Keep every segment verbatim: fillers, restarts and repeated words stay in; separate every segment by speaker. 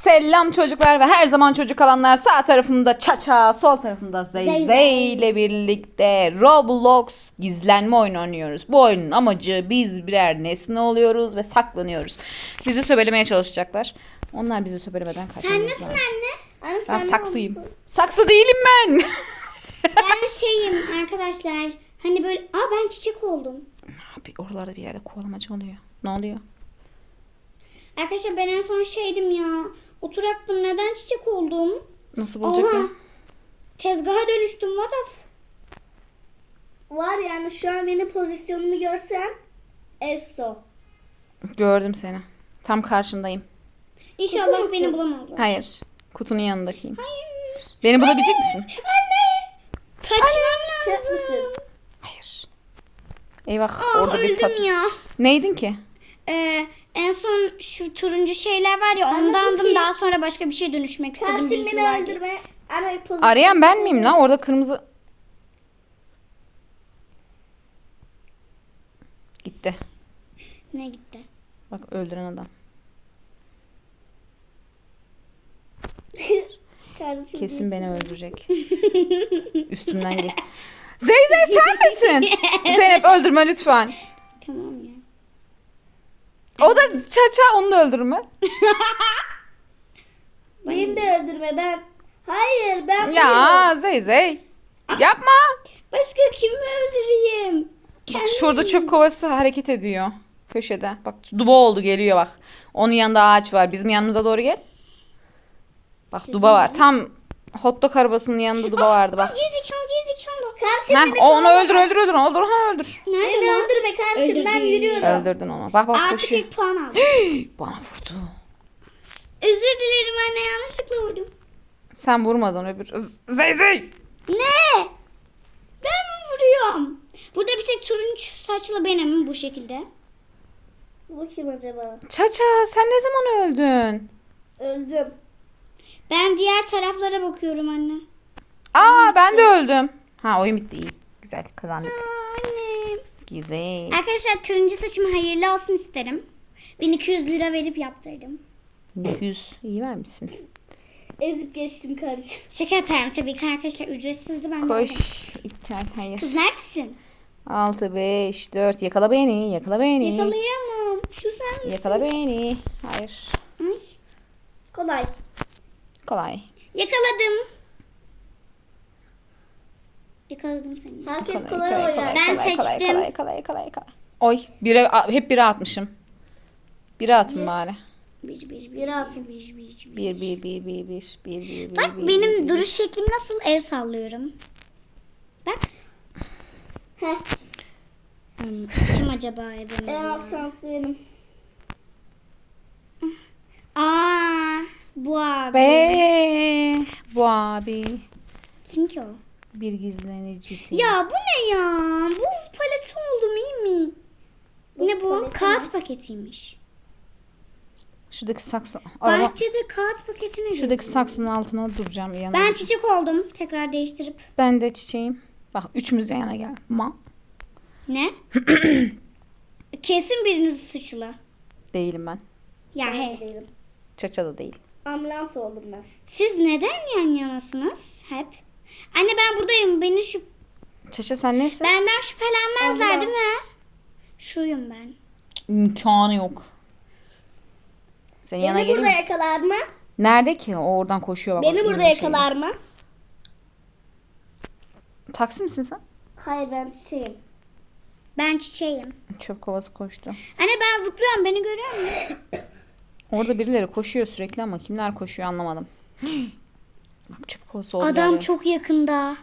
Speaker 1: Selam çocuklar ve her zaman çocuk alanlar. Sağ tarafımda Çaça, sol tarafımda Zey Zey ile birlikte Roblox gizlenme oyunu oynuyoruz. Bu oyunun amacı biz birer nesne oluyoruz ve saklanıyoruz. Bizi söbelemeye çalışacaklar. Onlar bizi söbelemeden kaçmamız
Speaker 2: Sen
Speaker 1: lazım.
Speaker 2: nesin anne? Anne
Speaker 1: Ben
Speaker 2: sen
Speaker 1: saksıyım.
Speaker 2: ne olursun?
Speaker 1: Saksı değilim ben.
Speaker 2: Ben şeyim arkadaşlar. Hani böyle aa ben çiçek oldum.
Speaker 1: Abi oralarda bir yerde kovalamacı oluyor. Ne oluyor?
Speaker 2: Arkadaşlar ben en son şeydim ya. Oturaktım neden çiçek oldum?
Speaker 1: Nasıl bulacak
Speaker 2: Oha.
Speaker 1: ya?
Speaker 2: Tezgaha dönüştüm what the f- Var yani şu an benim pozisyonumu görsen Efso.
Speaker 1: Gördüm seni. Tam karşındayım.
Speaker 2: İnşallah
Speaker 3: musun?
Speaker 2: beni bulamazlar.
Speaker 1: Hayır. Kutunun yanındakiyim.
Speaker 2: Hayır.
Speaker 1: Beni bulabilecek misin?
Speaker 2: Anne. Kaçmam
Speaker 3: Çöp
Speaker 2: lazım.
Speaker 3: müsün?
Speaker 1: Hayır. Eyvah.
Speaker 2: Ah
Speaker 1: orada bir
Speaker 2: öldüm
Speaker 1: kat.
Speaker 2: ya.
Speaker 1: Neydin ki?
Speaker 2: Ee, en son şu turuncu şeyler var ya
Speaker 3: Anne,
Speaker 2: ondandım.
Speaker 3: Cookie.
Speaker 2: Daha sonra başka bir şey dönüşmek istedim.
Speaker 3: Karşım
Speaker 2: birisi
Speaker 3: beni
Speaker 2: var diye.
Speaker 3: öldürme. Anne pozisyon.
Speaker 1: Arayan ben miyim lan? Orada kırmızı... Gitti.
Speaker 2: Ne gitti?
Speaker 1: Bak öldüren adam.
Speaker 3: Kardeşim
Speaker 1: Kesin
Speaker 3: değil.
Speaker 1: beni öldürecek. Üstümden geç. Zey Zey sen misin? Zeynep öldürme lütfen.
Speaker 2: Tamam ya.
Speaker 1: O da Çaça, onu da öldürme.
Speaker 3: Beni de öldürme ben. Hayır ben
Speaker 1: Ya Zey Zey. Yapma.
Speaker 2: Başka kimi öldüreyim?
Speaker 1: Bak şurada çöp kovası hareket ediyor. Köşede. Bak duba oldu, geliyor bak. Onun yanında ağaç var. Bizim yanımıza doğru gel. Bak duba var. Tam hot dog arabasının yanında duba vardı bak.
Speaker 2: Gerizekalı gerizekalı.
Speaker 3: Karşım
Speaker 1: Heh,
Speaker 3: beni
Speaker 1: o onu
Speaker 3: kovalama.
Speaker 1: öldür öldür öldür. Öldür onu öldür.
Speaker 2: Nerede
Speaker 3: Beni
Speaker 2: lan?
Speaker 3: öldürme kardeşim ben
Speaker 2: Öldürdü.
Speaker 3: yürüyorum.
Speaker 1: Öldürdün onu. Bak bak
Speaker 2: Artık
Speaker 1: koşuyor.
Speaker 2: ilk puan aldım.
Speaker 1: Bana vurdu.
Speaker 2: Özür dilerim anne yanlışlıkla vurdum.
Speaker 1: Sen vurmadın öbür. Z- Zey Zey.
Speaker 2: Ne? Ben mi vuruyorum? Burada bir tek turuncu saçlı benim bu şekilde.
Speaker 3: Bu kim acaba?
Speaker 1: Çaça sen ne zaman öldün?
Speaker 3: Öldüm.
Speaker 2: Ben diğer taraflara bakıyorum anne.
Speaker 1: Aa ben de öldüm. Ha oyun bitti, iyi. Güzel kazandık.
Speaker 2: Annem.
Speaker 1: Güzel.
Speaker 2: Arkadaşlar turuncu saçım hayırlı olsun isterim. bin iki yüz lira verip yaptırdım.
Speaker 1: yüz iyi vermişsin.
Speaker 3: Ezip geçtim kardeşim.
Speaker 2: Şaka yaparım tabii ki arkadaşlar ücretsizdi ben de
Speaker 1: Koş.
Speaker 2: aldım.
Speaker 1: İptal hayır.
Speaker 2: Kız neredesin?
Speaker 1: altı beş dört yakala beni yakala beni.
Speaker 2: Yakalayamam. Şu sen misin?
Speaker 1: Yakala beni. Hayır.
Speaker 2: Ay.
Speaker 3: Kolay.
Speaker 1: Kolay.
Speaker 2: Yakaladım. Yakaladım seni.
Speaker 3: Herkes
Speaker 1: Kolay,
Speaker 3: kolay,
Speaker 1: kolay,
Speaker 3: oynar.
Speaker 1: kolay,
Speaker 2: Ben
Speaker 1: kolay, kolay,
Speaker 2: seçtim.
Speaker 1: Kolay kolay kolay kolay. Oy bire, a- hep bire atmışım. Bire atın bari.
Speaker 2: Bir, bir, bir,
Speaker 3: Bir atın.
Speaker 2: bir, bir, bir, bir.
Speaker 1: Bir bir bir bir bir bir bir bir.
Speaker 2: Bak
Speaker 1: bir,
Speaker 2: benim
Speaker 1: bir, bir.
Speaker 2: duruş şeklim nasıl? El sallıyorum. Bak.
Speaker 3: Heh.
Speaker 2: Hmm, kim acaba ebemiz?
Speaker 3: En az şanslı benim.
Speaker 2: Aa, bu abi.
Speaker 1: Be bu abi
Speaker 2: Kim ki o?
Speaker 1: bir gizlenicisi.
Speaker 2: Ya bu ne ya? Buz paleti oldum iyi mi?
Speaker 3: Buz
Speaker 2: ne bu?
Speaker 3: paleti
Speaker 2: Kağıt
Speaker 3: mi?
Speaker 2: paketiymiş.
Speaker 1: Şuradaki saksı. Araba.
Speaker 2: Bahçede kağıt paketine
Speaker 1: Şuradaki
Speaker 2: gözüküyor.
Speaker 1: saksının altına duracağım yanına.
Speaker 2: Ben çiçek oldum. Tekrar değiştirip.
Speaker 1: Ben de çiçeğim. Bak üçümüz yan yana gel. Ma.
Speaker 2: Ne? Kesin biriniz suçlu.
Speaker 1: Değilim ben.
Speaker 2: Ya
Speaker 3: Ben de
Speaker 2: he.
Speaker 3: değilim.
Speaker 1: Çaça da değil.
Speaker 3: Ambulans oldum ben.
Speaker 2: Siz neden yan yanasınız hep? Anne ben buradayım. Beni şu
Speaker 1: Çaça sen neyse.
Speaker 2: benden şüphelenmezler
Speaker 3: Ambulans.
Speaker 2: değil mi? Şuyum ben.
Speaker 1: İmkanı yok. Senin yana
Speaker 3: Beni
Speaker 1: geleyim
Speaker 3: burada
Speaker 1: mi?
Speaker 3: yakalar mı?
Speaker 1: Nerede ki? O oradan koşuyor. Bak,
Speaker 3: Beni
Speaker 1: bak,
Speaker 3: burada
Speaker 1: elinde şey.
Speaker 3: yakalar mı?
Speaker 1: Taksi misin sen?
Speaker 3: Hayır ben şeyim.
Speaker 2: Ben çiçeğim.
Speaker 1: Çöp kovası koştu.
Speaker 2: Anne ben zıplıyorum. Beni görüyor musun?
Speaker 1: Orada birileri koşuyor sürekli ama kimler koşuyor anlamadım. Bak çöp kovası oldu.
Speaker 2: Adam
Speaker 1: geldi.
Speaker 2: çok yakında.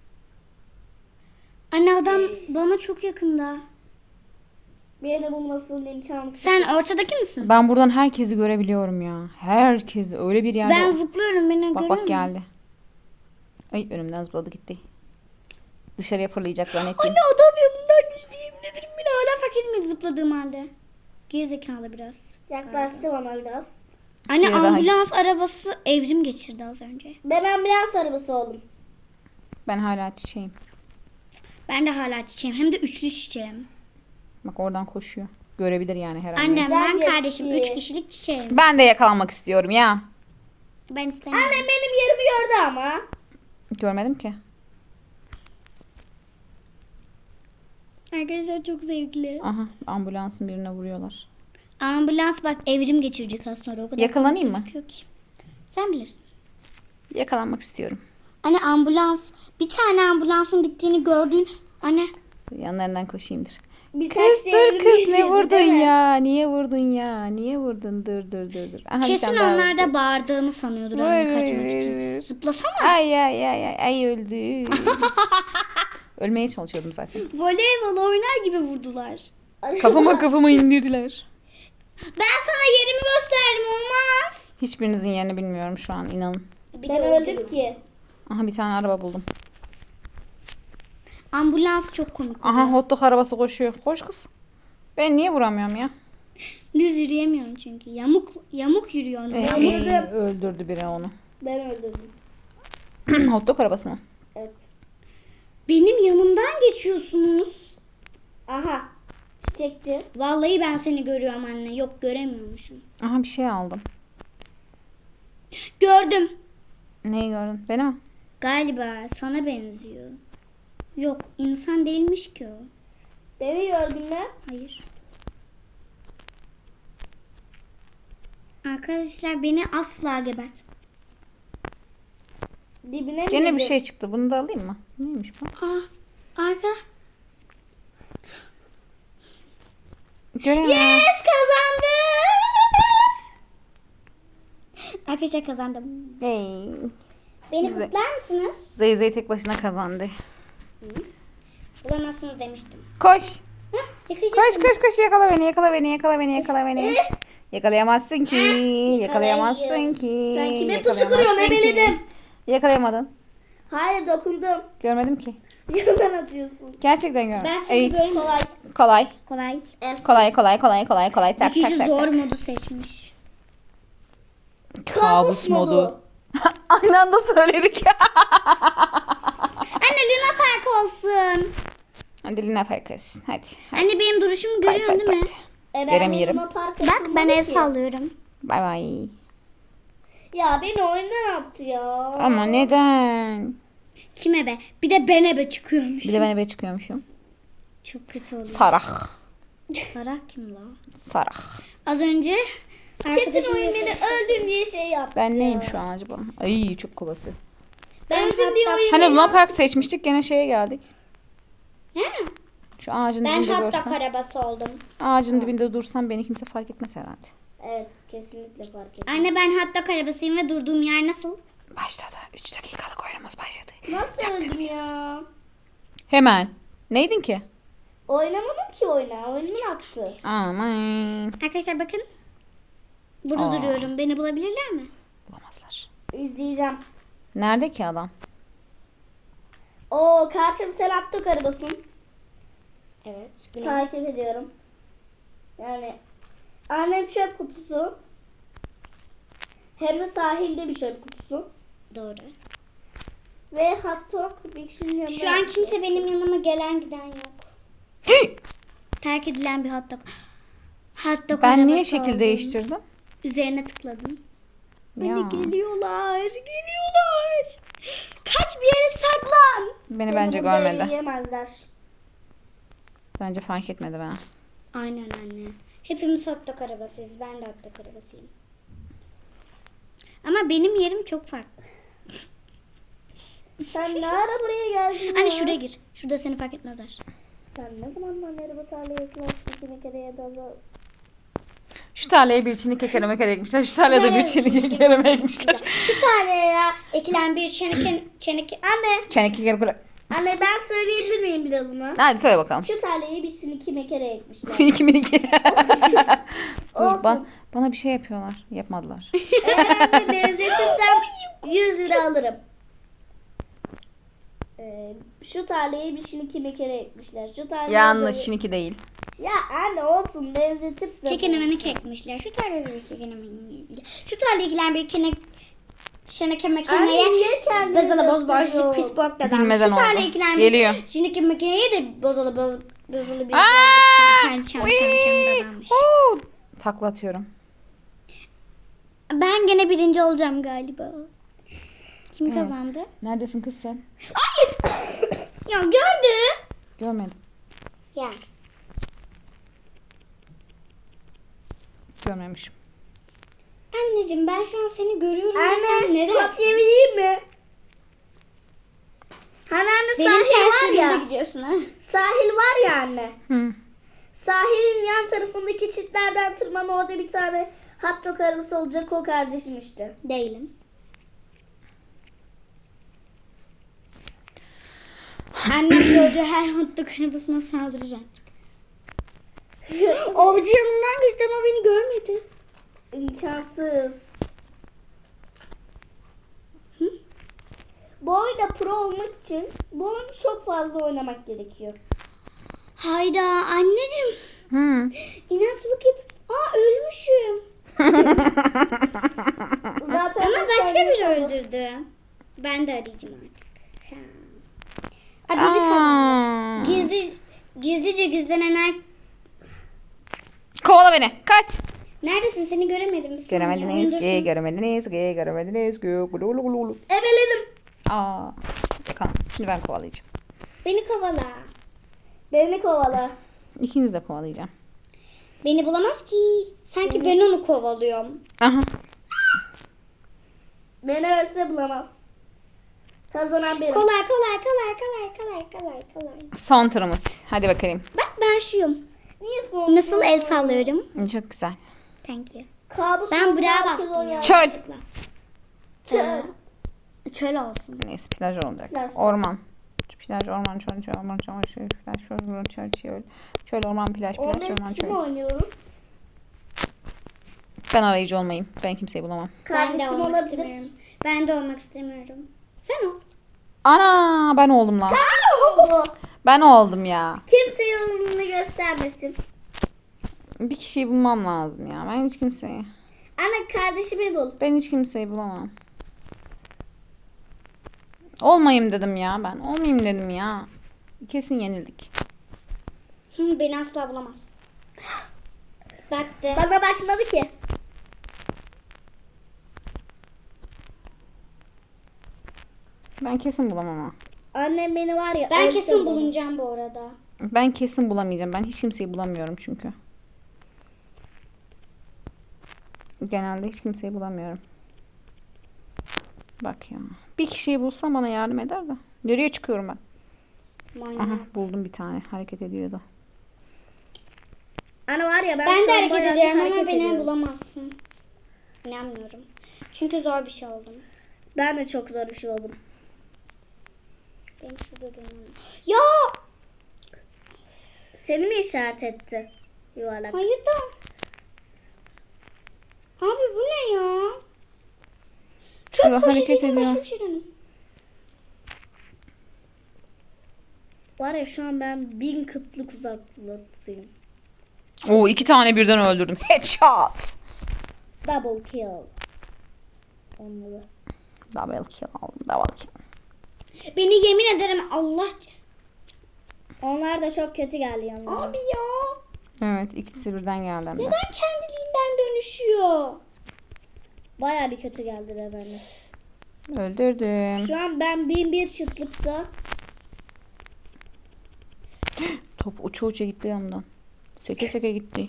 Speaker 2: Anne adam bana çok yakında.
Speaker 3: Beni bulmasının imkansız.
Speaker 2: Sen ortadaki misin?
Speaker 1: Ben buradan herkesi görebiliyorum ya. Herkesi öyle bir yerde.
Speaker 2: Ben zıplıyorum. Beni görüyor
Speaker 1: Bak
Speaker 2: musun?
Speaker 1: bak geldi. Ay önümden zıpladı gitti. Dışarıya fırlayacak zannettim.
Speaker 2: Anne adam yanından geçti. Yemin ederim beni hala fark etmedi zıpladığım halde. Gerizekalı biraz.
Speaker 3: Yaklaştı bana biraz.
Speaker 2: Anne
Speaker 1: Biri daha-
Speaker 2: ambulans arabası evrim geçirdi az önce.
Speaker 3: Ben ambulans arabası oldum.
Speaker 1: Ben hala çiçeğim.
Speaker 2: Ben de hala çiçeğim. Hem de üçlü çiçeğim.
Speaker 1: Bak oradan koşuyor. Görebilir yani her an.
Speaker 2: Annem
Speaker 3: Ben
Speaker 2: ben
Speaker 3: geçti.
Speaker 2: kardeşim üç kişilik çiçeğim.
Speaker 1: Ben de yakalanmak istiyorum ya.
Speaker 2: Ben istemiyorum.
Speaker 3: Annem benim yerimi gördü ama.
Speaker 1: Görmedim ki.
Speaker 2: Arkadaşlar çok zevkli.
Speaker 1: Aha, ambulansın birine vuruyorlar.
Speaker 2: Ambulans bak evrim geçirecek az sonra. O kadar
Speaker 1: Yakalanayım mı?
Speaker 2: gözüküyor ki. Sen bilirsin.
Speaker 1: Yakalanmak istiyorum.
Speaker 2: Anne ambulans. Bir tane ambulansın gittiğini gördün. Anne.
Speaker 1: Yanlarından koşayımdır.
Speaker 3: Bir
Speaker 1: Kız
Speaker 3: taksi
Speaker 1: dur
Speaker 3: evrim
Speaker 1: kız ne
Speaker 3: geçirdi,
Speaker 1: vurdun
Speaker 3: değil mi?
Speaker 1: ya? Niye vurdun ya? Niye vurdun? Dur dur dur dur. Aha, bir
Speaker 2: Kesin
Speaker 1: tane daha
Speaker 2: onlar
Speaker 1: vurdu.
Speaker 2: da bağırdığını sanıyordur anne kaçmak için. Zıplasana.
Speaker 1: Ay ay ay ay ay öldü. Ölmeye çalışıyordum zaten.
Speaker 2: Voleybol oynar gibi vurdular.
Speaker 1: Kafama kafama indirdiler.
Speaker 2: Ben sana yerimi gösterdim olmaz.
Speaker 1: Hiçbirinizin yerini bilmiyorum şu an inanın.
Speaker 3: Ben öldüm ki.
Speaker 1: Aha bir tane araba buldum.
Speaker 2: Ambulans çok komik.
Speaker 1: Aha hot dog arabası koşuyor. Koş kız. Ben niye vuramıyorum ya?
Speaker 2: Düz yürüyemiyorum çünkü. Yamuk yamuk yürüyor.
Speaker 1: Ee,
Speaker 3: Öldürdüm.
Speaker 1: öldürdü biri onu.
Speaker 3: Ben öldürdüm.
Speaker 1: Hot dog arabası mı?
Speaker 3: Evet.
Speaker 2: Benim yanımdan geçiyorsunuz.
Speaker 3: Aha. Çiçekti.
Speaker 2: Vallahi ben seni görüyorum anne. Yok göremiyormuşum.
Speaker 1: Aha bir şey aldım.
Speaker 2: Gördüm.
Speaker 1: Neyi gördün? Beni mi?
Speaker 2: Galiba sana benziyor. Yok insan değilmiş ki o.
Speaker 3: Beni gördün mü?
Speaker 2: Hayır. Arkadaşlar beni asla gebert.
Speaker 3: Dibine mi
Speaker 1: Gene bir
Speaker 3: girdin?
Speaker 1: şey çıktı. Bunu da alayım mı? Neymiş bu?
Speaker 2: Ah, arka.
Speaker 1: Göremiyorum.
Speaker 2: Yes kazandım. Arkadaşlar kazandım.
Speaker 1: Hey.
Speaker 2: Beni
Speaker 1: Güzel.
Speaker 2: kutlar mısınız?
Speaker 1: Zeyzey tek başına kazandı.
Speaker 2: Bulamazsınız demiştim.
Speaker 1: Koş.
Speaker 2: Hah, yakalayacağım
Speaker 1: Koş
Speaker 2: seni.
Speaker 1: koş koş yakala beni yakala beni yakala beni yakala beni. Yakalayamazsın ki. Yakalayamazsın ki.
Speaker 3: Sen kime pusu
Speaker 1: yakalayamazsın
Speaker 3: kuruyorsun?
Speaker 1: ki.
Speaker 3: Ebeledim.
Speaker 1: Yakalayamadın.
Speaker 3: Hayır dokundum.
Speaker 1: Görmedim ki.
Speaker 3: Yandan atıyorsun.
Speaker 1: Gerçekten görmedim.
Speaker 2: Ben sizi
Speaker 1: Ey,
Speaker 2: göremiyorum.
Speaker 3: Kolay.
Speaker 1: kolay.
Speaker 2: Kolay.
Speaker 3: Es.
Speaker 1: Kolay kolay kolay kolay kolay.
Speaker 2: Bir
Speaker 1: Tak tak
Speaker 2: kişi
Speaker 1: tak.
Speaker 2: zor
Speaker 1: tak.
Speaker 2: modu seçmiş.
Speaker 1: Kabus modu. Aynı anda söyledik.
Speaker 2: Anne Luna Park olsun.
Speaker 1: Hadi Lina Farkas. Hadi. hadi.
Speaker 2: Anne benim duruşumu
Speaker 1: Bay
Speaker 2: görüyorsun
Speaker 1: bay
Speaker 2: değil mi?
Speaker 1: bay.
Speaker 3: E ben
Speaker 1: Göremiyorum.
Speaker 3: Luna Park
Speaker 2: Bak ben
Speaker 3: açılmadı
Speaker 2: el
Speaker 3: ki.
Speaker 2: sallıyorum.
Speaker 1: Bay bay.
Speaker 3: Ya beni oyundan attı ya.
Speaker 1: Ama neden?
Speaker 2: Kime be? Bir de bene be çıkıyormuş.
Speaker 1: Bir de ben eve çıkıyormuşum.
Speaker 2: Çok kötü oldu.
Speaker 1: Sarak.
Speaker 2: Sarak kim la?
Speaker 1: Sarak.
Speaker 2: Az önce
Speaker 3: Kesin
Speaker 2: arkadaşım
Speaker 3: oyun beni öldüm diye şey yaptı.
Speaker 1: Ben
Speaker 3: ya.
Speaker 1: neyim şu an acaba? Ay çöp kovası.
Speaker 3: Ben öldüm diye oyun
Speaker 1: Hani Luna Park seçmiştik gene şeye geldik.
Speaker 2: Ha,
Speaker 1: Şu ağacın
Speaker 2: ben
Speaker 1: dibinde
Speaker 2: hatta
Speaker 1: görsem.
Speaker 2: arabası oldum.
Speaker 1: Ağacın dibinde dursam beni kimse fark etmez herhalde.
Speaker 3: Evet kesinlikle fark ettim.
Speaker 2: Anne ben hatta arabasıyım ve durduğum yer nasıl?
Speaker 1: Başladı. üç dakikalık oyunumuz başladı.
Speaker 3: Nasıl öldüm ya?
Speaker 1: Hemen. Neydin ki?
Speaker 3: Oynamadım ki oyuna. Oyundan attı.
Speaker 1: Aman.
Speaker 2: Arkadaşlar bakın. Burada
Speaker 1: Aa.
Speaker 2: duruyorum. Beni bulabilirler mi?
Speaker 1: Bulamazlar.
Speaker 3: İzleyeceğim.
Speaker 1: Nerede ki adam?
Speaker 3: Oo karşım sen attık arabasın.
Speaker 2: Evet.
Speaker 3: Takip ediyorum. Yani annem çöp kutusu. Hem de sahilde bir çöp kutusu.
Speaker 2: Doğru.
Speaker 3: Ve hot dog bir kişinin yanına.
Speaker 2: Şu an kimse benim yanıma gelen giden yok. Terk edilen bir hot dog. Hot dog
Speaker 1: Ben niye
Speaker 2: arabası
Speaker 1: şekil
Speaker 2: oldum.
Speaker 1: değiştirdim?
Speaker 2: Üzerine tıkladım.
Speaker 1: Ya.
Speaker 2: Beni geliyorlar. Geliyorlar. Kaç bir yere saklan.
Speaker 1: Beni bence
Speaker 3: burada
Speaker 1: görmedi.
Speaker 3: yiyemezler.
Speaker 1: Bence fark etmedi bana.
Speaker 2: Aynen anne. Hepimiz hot dog arabasıyız. Ben de hot dog arabasıyım. Ama benim yerim çok farklı.
Speaker 3: Sen ne ara buraya geldin
Speaker 2: Anne
Speaker 3: ya?
Speaker 2: şuraya gir. Şurada seni fark etmezler.
Speaker 3: Sen ne zamandan beri bu tarlaya yaklaştın bir kere ya da da-
Speaker 1: Şu tarlaya bir çini kekere mekere ekmişler. Şu tarlaya da bir çini kekere ekmişler.
Speaker 2: Şu tarlaya ekilen bir çeneke... çeneke...
Speaker 3: Anne,
Speaker 1: Çene kekere kekere.
Speaker 3: anne ben söyleyebilir miyim birazını?
Speaker 1: Hadi söyle bakalım.
Speaker 3: Şu tarlayı bir siniki mekere ekmişler.
Speaker 1: Seninki miniki. Dur
Speaker 3: Olsun.
Speaker 1: ba- bana bir şey yapıyorlar. Yapmadılar.
Speaker 3: Eğer ben de benzetirsem yüz lira alırım. Ee, şu tarlayı bir siniki mekere ekmişler. Şu tarlayı
Speaker 1: Yanlış
Speaker 3: da-
Speaker 1: şiniki değil.
Speaker 3: Ya anne olsun benzetirsen.
Speaker 2: Kekenemeni kekmişler. Şu tarlaya bir kekenemeni... Şu tarlaya ekilen bir kene... Şeneke
Speaker 3: Anne
Speaker 2: makineye...
Speaker 3: niye kendini
Speaker 2: Bozalı boz
Speaker 3: gösteriyorsun?
Speaker 2: boş pis bok dedem.
Speaker 1: Bilmeden
Speaker 2: Şu tarlaya
Speaker 1: oldu.
Speaker 2: ekilen
Speaker 1: Geliyor.
Speaker 2: bir... Şeneke makineye de bozalı boz... Bozalı bir...
Speaker 1: Aa!
Speaker 2: Çam çam çam çam
Speaker 1: Wii!
Speaker 2: dedemmiş.
Speaker 1: Oo! Takla atıyorum.
Speaker 3: Ben gene birinci olacağım galiba. Kim
Speaker 1: Evet.
Speaker 3: kazandı?
Speaker 1: Neredesin kız sen?
Speaker 3: Hayır. Ya gördü.
Speaker 1: Görmedim.
Speaker 3: Ya.
Speaker 1: Görmemişim.
Speaker 3: Anneciğim ben şu an seni görüyorum. ve sen
Speaker 2: Anne
Speaker 3: ne
Speaker 2: top
Speaker 3: dersin?
Speaker 2: yemeği mi? Hani anne
Speaker 3: Benim
Speaker 2: sahil
Speaker 3: ters
Speaker 2: var
Speaker 3: yönümde
Speaker 2: ya.
Speaker 3: gidiyorsun ha.
Speaker 2: Sahil var ya anne.
Speaker 1: Hı.
Speaker 2: Sahilin yan tarafındaki çitlerden tırman, orada bir tane hot dog arabası olacak, o kardeşim işte.
Speaker 3: Değilim. Annem gördüğü her hot dog arabasına saldıracak. Avcı yanından geçti ama beni görmedi.
Speaker 2: İmkansız. Bu oyunda pro olmak için bu oyunu çok fazla oynamak gerekiyor.
Speaker 3: Hayda anneciğim.
Speaker 1: Hı.
Speaker 3: İnatçılık yap. Aa ölmüşüm.
Speaker 2: Zaten
Speaker 3: Ama
Speaker 2: ben
Speaker 3: başka
Speaker 2: sadece-
Speaker 3: biri öldürdü. Ben de arayacağım artık. Ha, biri kazandı.
Speaker 1: Aa.
Speaker 3: Gizli, gizlice gizlenen er...
Speaker 1: Kovala beni. Kaç.
Speaker 3: Neredesin? Seni göremedim. Bir saniye,
Speaker 1: Göremediniz
Speaker 3: oyundasın.
Speaker 1: ki, göremediniz ki, göremediniz ki. Gulu gulu gulu gulu.
Speaker 2: Ebeledim.
Speaker 1: Aa. Bakalım. Şimdi ben kovalayacağım.
Speaker 3: Beni kovala.
Speaker 2: Beni kovala.
Speaker 1: İkiniz de kovalayacağım.
Speaker 3: Beni bulamaz ki. Sanki ben onu kovalıyorum.
Speaker 1: Aha.
Speaker 2: Beni ölse bulamaz. Kazanan benim.
Speaker 3: Kolay kolay kolay kolay kolay kolay kolay.
Speaker 1: Son turumuz. Hadi bakayım.
Speaker 3: Bak ben şuyum.
Speaker 2: Niye son?
Speaker 3: Nasıl el sallıyorum?
Speaker 1: Çok güzel.
Speaker 3: Thank you.
Speaker 2: Kabus
Speaker 3: Ben
Speaker 2: olmayan
Speaker 3: buraya
Speaker 2: kız
Speaker 3: bastım
Speaker 2: oynuyor.
Speaker 3: ya.
Speaker 1: Çöl.
Speaker 3: yanlışlıkla.
Speaker 2: Çöl.
Speaker 3: Ee, Çöl olsun.
Speaker 1: Neyse plaj olacak.
Speaker 2: Plaj.
Speaker 1: Orman. Plaj, orman, çöl, çöl, orman, çöl, çöl, plaj, çöl, orman, çöl, çöl. Çöl, orman, plaj, plaj,
Speaker 2: on beş
Speaker 1: orman,
Speaker 2: kişi mi
Speaker 1: çöl.
Speaker 2: oynuyoruz?
Speaker 1: Ben arayıcı olmayayım. Ben kimseyi bulamam.
Speaker 3: Ben de
Speaker 2: Kardeşim
Speaker 3: olmak
Speaker 2: olabilir.
Speaker 3: istemiyorum. Ben de olmak istemiyorum. Sen ol.
Speaker 1: Ana ben oldum lan.
Speaker 2: Oo,
Speaker 1: Ben oldum ya.
Speaker 2: Kimse yolunu göstermesin.
Speaker 1: Bir kişiyi bulmam lazım ya. Ben hiç kimseyi.
Speaker 2: Anne kardeşimi bul.
Speaker 1: Ben hiç kimseyi bulamam. Olmayayım dedim ya ben. Olmayayım dedim ya. Kesin yenildik.
Speaker 3: Hı, beni asla bulamaz. Baktı.
Speaker 2: Bana bakmadı ki.
Speaker 1: Ben kesin bulamam ama.
Speaker 2: Annem beni var ya.
Speaker 3: Ben
Speaker 2: ölse
Speaker 3: kesin
Speaker 2: bulamaz.
Speaker 3: bulunacağım bu arada.
Speaker 1: Ben kesin bulamayacağım. Ben hiç kimseyi bulamıyorum çünkü. Genelde hiç kimseyi bulamıyorum. Bak ya. Bir kişiyi bulsam bana yardım eder de. Nereye çıkıyorum ben?
Speaker 3: Manyak.
Speaker 1: Aha buldum bir tane. Hareket ediyordu.
Speaker 2: Anne var ya ben,
Speaker 3: Ben
Speaker 2: şu
Speaker 3: de
Speaker 2: an
Speaker 3: hareket
Speaker 2: bayağı bir
Speaker 3: ediyorum ama
Speaker 2: hareket
Speaker 3: beni
Speaker 2: ediyorum.
Speaker 3: bulamazsın. İnanmıyorum. Çünkü zor bir şey oldum.
Speaker 2: Ben de çok zor bir şey oldum.
Speaker 3: Benim şurada durmam. Ya!
Speaker 2: Seni mi işaret etti? Yuvarlak.
Speaker 3: Hayır da. Abi bu ne ya? Çok
Speaker 1: Şurada hareket
Speaker 3: poşetiyle başka
Speaker 1: ediyor.
Speaker 3: bir şey dönün.
Speaker 2: Var ya şu an ben bin kıtlık uzaklıktayım.
Speaker 1: Oo iki tane birden öldürdüm. Headshot.
Speaker 2: Double kill. Onları.
Speaker 1: Double kill aldım. Double kill.
Speaker 3: Beni yemin ederim Allah.
Speaker 2: Onlar da çok kötü geldi yanlarına.
Speaker 3: Abi ya.
Speaker 1: Evet ikisi birden geldi hem de.
Speaker 3: Neden kendiliğinden dönüşüyor?
Speaker 2: Baya bir kötü geldiler bana.
Speaker 1: Öldürdüm.
Speaker 2: Şu an ben bin bir çıtlıkta.
Speaker 1: Top uça uça gitti yanımdan. Seke seke gitti.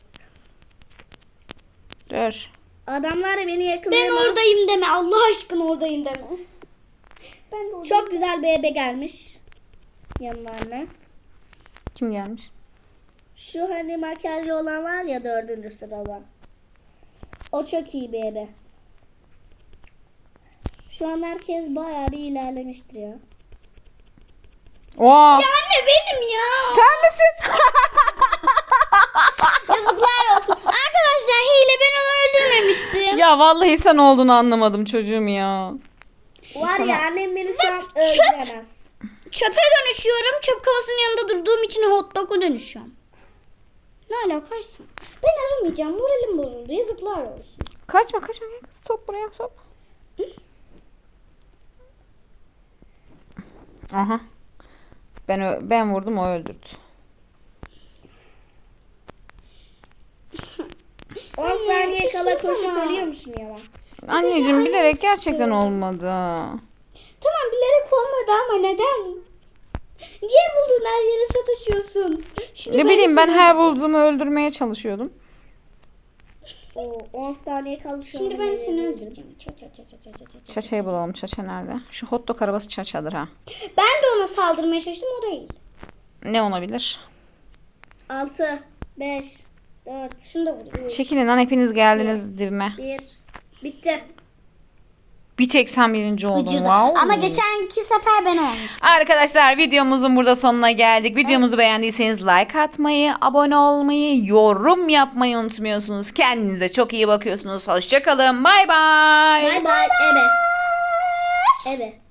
Speaker 1: Dur.
Speaker 2: Adamlar beni
Speaker 3: Ben
Speaker 2: yakalayamaz.
Speaker 3: oradayım deme. Allah aşkına oradayım deme. Ben de oradayım.
Speaker 2: Çok güzel bir ebe gelmiş. Yanlarına.
Speaker 1: Kim gelmiş?
Speaker 2: Şu hani makyajlı olan var ya, dördüncü sırada. O çok iyi bir ebe. Şu an herkes bayağı bir ilerlemiştir ya.
Speaker 1: Oha.
Speaker 3: Anne benim ya.
Speaker 1: Sen misin?
Speaker 3: Yazıklar olsun. Arkadaşlar hile, ben onu öldürmemiştim.
Speaker 1: Ya vallahi sen olduğunu anlamadım çocuğum ya.
Speaker 2: Var
Speaker 1: Sana-
Speaker 2: ya annem beni şu an öldüremez.
Speaker 3: Çöpe dönüşüyorum. Çöp kovasının yanında durduğum için hot dog'a dönüşüyorum. Ne alakaysa. Ben aramayacağım. Moralim bozuldu. Yazıklar olsun.
Speaker 1: Kaçma kaçma gel kız, top buraya top. Aha. Ben ö- ben vurdum, o öldürdü.
Speaker 2: on saniye kala koşup ölüyor musun ya lan?
Speaker 1: Anneciğim bilerek gerçekten olmadı.
Speaker 3: Tamam bilerek olmadı ama neden? Niye buldun her yere sataşıyorsun? Şimdi
Speaker 1: Ne
Speaker 3: de
Speaker 1: bileyim ben
Speaker 3: seni
Speaker 1: her
Speaker 3: öldüreceğim.
Speaker 1: bulduğumu öldürmeye çalışıyordum.
Speaker 2: Oo, on saniye kaldı şu
Speaker 3: Şimdi
Speaker 2: an.
Speaker 3: ben seni öldüreceğim. Ça ça ça ça ça ça ça.
Speaker 1: Çaça'yı bulalım. Çaça nerede? Şu hot dog arabası Çaça'dır ha.
Speaker 3: Ben de ona saldırmaya çalıştım o değil.
Speaker 1: Ne olabilir?
Speaker 2: altı, beş, dört,
Speaker 3: Şunu da vurayım.
Speaker 1: Çekilin lan hepiniz geldiniz dibime.
Speaker 2: bir. Bitti.
Speaker 1: Bir tek sen birinci oldun.
Speaker 3: Gıcırdı.
Speaker 1: Wow.
Speaker 3: Ama geçenki sefer ben olmuştum.
Speaker 1: Arkadaşlar videomuzun burada sonuna geldik. Videomuzu beğendiyseniz like atmayı, abone olmayı, yorum yapmayı unutmuyorsunuz. Kendinize çok iyi bakıyorsunuz. Hoşçakalın. Bay bay.
Speaker 2: Bay bay. Ebe. Ebe.